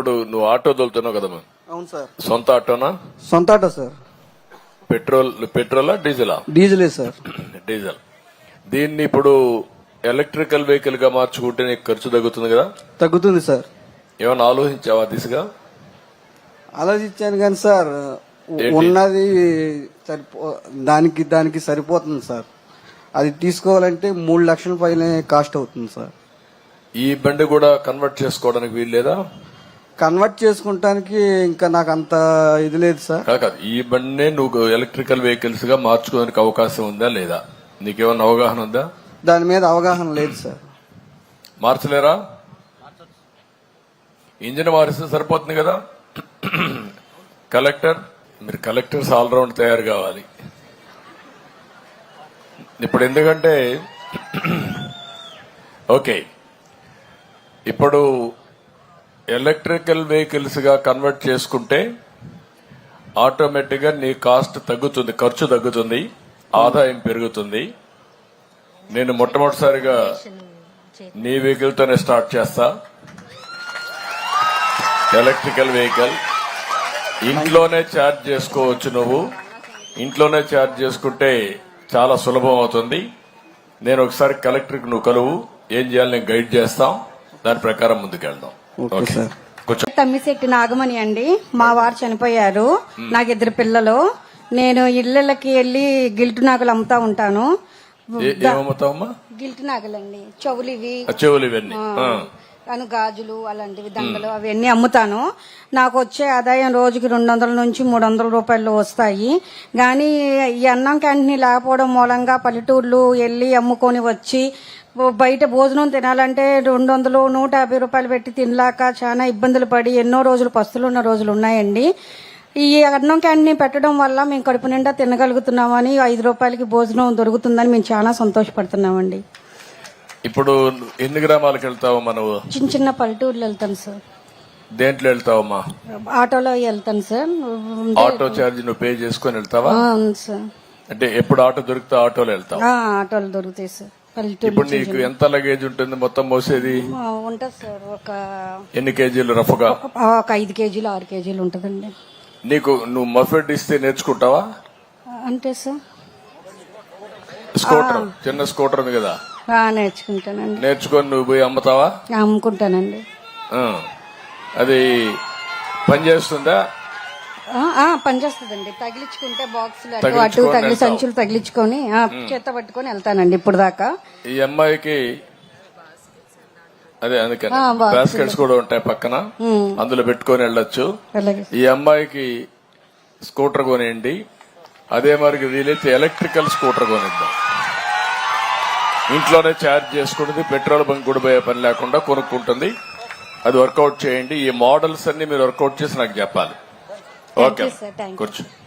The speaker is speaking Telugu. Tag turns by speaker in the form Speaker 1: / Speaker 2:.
Speaker 1: ఇప్పుడు నువ్వు ఆటో తోలుతున్నావు కదమ్మా?
Speaker 2: అవును సార్.
Speaker 1: సొంత ఆటోనా?
Speaker 2: సొంత ఆటో సార్.
Speaker 1: పెట్రోలా డీజిలా?
Speaker 2: డీజిలే సార్.
Speaker 1: డీజిల్. దీన్ని ఇప్పుడు ఎలక్ట్రికల్ వెహికల్ గా మార్చుకుంటే నీకు ఖర్చు తగ్గుతుంది కదా?
Speaker 2: తగ్గుతుంది సార్.
Speaker 1: ఏమన్నా ఆలోచించావా దిశగా?
Speaker 2: ఆలోచించాను కానీ సార్ ఉన్నది దానికి సరిపోతుంది సార్. అది తీసుకోవాలంటే 3 లక్షల పైన కాస్ట్ అవుతుంది సార్.
Speaker 1: ఈ బండి కూడా కన్వర్ట్ చేసుకోవడానికి వీలు లేదా?
Speaker 2: కన్వర్ట్ చేసుకుంటానికి ఇంకా నాకు అంత ఇది లేదు సార్.
Speaker 1: కాదు, ఈ బండినే నువ్వు ఎలక్ట్రికల్ వెహికల్స్ గా మార్చుకోవడానికి అవకాశం ఉందా లేదా? నీకేమన్నా అవగాహన ఉందా?
Speaker 2: దాని మీద అవగాహన లేదు సార్.
Speaker 1: మార్చలేరా? ఇంజిన్ మారిస్తే సరిపోతుంది కదా. మీరు కలెక్టర్స్ ఆల్రౌండ్ తయారు కావాలి ఇప్పుడు. ఎందుకంటే ఓకే, ఇప్పుడు ఎలక్ట్రికల్ వెహికల్స్ గా కన్వర్ట్ చేసుకుంటే ఆటోమేటిక్ గా నీ కాస్ట్ తగ్గుతుంది, ఖర్చు తగ్గుతుంది, ఆదాయం పెరుగుతుంది. నేను మొట్టమొదటిసారిగా నీ వెహికల్ తోనే స్టార్ట్ చేస్తా. ఎలక్ట్రికల్ వెహికల్ ఇంట్లోనే ఛార్జ్ చేసుకోవచ్చు. నువ్వు ఇంట్లోనే ఛార్జ్ చేసుకుంటే చాలా సులభం అవుతుంది. నేను ఒకసారి కలెక్టర్కి నువ్వు కలువు, ఏం చేయాలి నేను గైడ్ చేస్తాం, దాని ప్రకారం ముందుకెళ్దాం.
Speaker 3: తమ్మిశెట్టి నాగమణి అండి. మా వారు చనిపోయారు, నాకు 2 పిల్లలు. నేను ఇళ్లకి వెళ్లి గిల్టు నాగులు అమ్ముతా ఉంటాను.
Speaker 1: ఏమవుతావమ్మా?
Speaker 3: గిల్టు నాగులండి, చెవులు
Speaker 1: ఇవన్నీ,
Speaker 3: గాజులు అలాంటివి, దండలు అవన్నీ అమ్ముతాను. నాకు వచ్చే ఆదాయం రోజుకి 200 నుంచి 300 రూపాయలు వస్తాయి. కానీ ఈ అన్నం క్యాంటీన్ లేకపోవడం మూలంగా పల్లెటూర్లు వెళ్లి అమ్ముకొని వచ్చి బయట భోజనం తినాలంటే 200, 150 రూపాయలు పెట్టి తినలాక చాలా ఇబ్బందులు పడి ఎన్నో రోజులు పస్తులున్న రోజులు ఉన్నాయండి. ఈ అన్నం క్యాంటీన్ పెట్టడం వల్ల మేము కడుపు నిండా తినగలుగుతున్నామని, 5 రూపాయలకి భోజనం దొరుకుతుందని మేము చాలా సంతోషపడుతున్నామండి.
Speaker 1: ఇప్పుడు ఎన్ని గ్రామాలకు వెళ్తావమ్మా నువ్వు?
Speaker 3: చిన్న పల్లెటూర్లు వెళ్తాను సార్.
Speaker 1: దేంట్లో వెళ్తావమ్మా?
Speaker 3: ఆటోలో వెళ్తాను సార్.
Speaker 1: ఆటో ఛార్జ్ నువ్వు పే చేసుకుని వెళ్తావా?
Speaker 3: అవును సార్.
Speaker 1: అంటే ఎప్పుడు ఆటో దొరికితే ఆటోలో వెళ్తావు?
Speaker 3: ఆటోలు దొరుకుతాయి సార్.
Speaker 1: ఇప్పుడు నీకు ఎంత లగేజ్ ఉంటుంది మొత్తం మోసేది?
Speaker 3: ఉంటుంది సార్. ఒక
Speaker 1: ఎన్ని కేజీలు రఫ్గా?
Speaker 3: ఒక 5 కేజీలు 6 కేజీలు ఉంటుందండి.
Speaker 1: నువ్వు మఫెడ్ ఇస్తే నేర్చుకుంటావా?
Speaker 3: అంటే సార్
Speaker 1: స్కూటర్, చిన్న స్కూటర్ ఉంది కదా,
Speaker 3: నేర్చుకుంటానండి.
Speaker 1: నేర్చుకొని నువ్వు పోయి అమ్ముతావా?
Speaker 3: అమ్ముకుంటానండి.
Speaker 1: అది పనిచేస్తుందా?
Speaker 3: పనిచేస్తుందండి. తగిలించుకుంటే బాక్సులు అటు సంచులు తగిలించుకొని చేత పట్టుకొని వెళ్తానండి ఇప్పుడు దాకా.
Speaker 1: ఈ అమ్మాయికి అదే అందుకని బాస్కెట్స్ కూడా ఉంటాయి పక్కన, అందులో పెట్టుకొని వెళ్ళొచ్చు. ఈ అమ్మాయికి స్కూటర్ కొనియండి, అదే మరికి వీలైతే ఎలక్ట్రికల్ స్కూటర్ కొనిద్దాం. ఇంట్లోనే ఛార్జ్ చేసుకుంటుంది, పెట్రోల్ బంక్ కూడా పోయే పని లేకుండా కొనుక్కుంటుంది. అది వర్కౌట్ చేయండి. ఈ మోడల్స్ అన్ని మీరు వర్కౌట్ చేసి నాకు చెప్పాలి. ఓకే, కూర్చో.